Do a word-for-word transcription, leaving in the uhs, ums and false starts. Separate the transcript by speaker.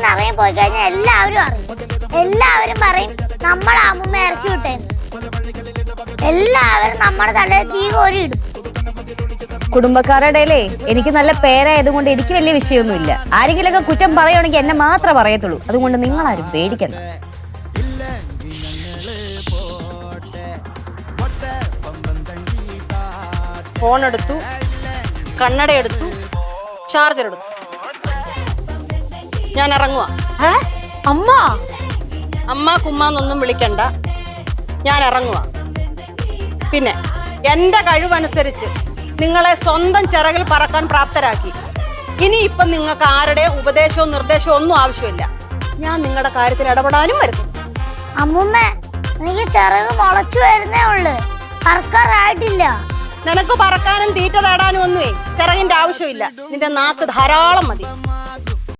Speaker 1: നിന്ന് ഇറങ്ങി പോയി കഴിഞ്ഞാൽ എല്ലാവരും അറിയും. എല്ലാവരും പറയും നമ്മൾ അമ്മൂമ്മ ഇറക്കി വിട്ടേന്ന്. എല്ലാവരും നമ്മുടെ തലയിൽ തീ കോരി ഇടും.
Speaker 2: കുടുംബക്കാരുടെ എനിക്ക് നല്ല പേരായതുകൊണ്ട് എനിക്ക് വലിയ വിഷയമൊന്നുമില്ല. ആരെങ്കിലൊക്കെ കുറ്റം പറയുകയാണെങ്കിൽ എന്നെ മാത്രമേ പറയത്തുള്ളൂ. അതുകൊണ്ട് നിങ്ങളാരും പേടിക്കണ്ട.
Speaker 3: ഫോൺ എടുത്തു, കണ്ണട എടുത്തു, ചാർജർ എടുത്തു. ഞാൻ ഇറങ്ങുക.
Speaker 1: അമ്മ
Speaker 3: അമ്മ കുമ്മാന്നൊന്നും വിളിക്കണ്ട, ഞാൻ ഇറങ്ങുക. പിന്നെ എൻ്റെ കഴിവനുസരിച്ച് നിങ്ങളെ സ്വന്തം ചിറകിൽ പറക്കാൻ പ്രാപ്തരാക്കി. ഇനി ഇപ്പം നിങ്ങൾക്ക് ആരുടെ ഉപദേശവും നിർദ്ദേശവും ഒന്നും ആവശ്യമില്ല. ഞാൻ നിങ്ങളുടെ കാര്യത്തിൽ ഇടപെടാനും വരുന്നു.
Speaker 1: അമ്മൂമ്മ എനിക്ക് ചിറക് മുളച്ചു വരുന്നേ ഉള്ളു, പറക്കാറായിട്ടില്ല.
Speaker 3: നിനക്ക് പറക്കാനും തീറ്റ തേടാനും ഒന്നുമേ ചിറകിന്റെ ആവശ്യമില്ല. നിന്റെ നാക്ക് ധാരാളം മതി.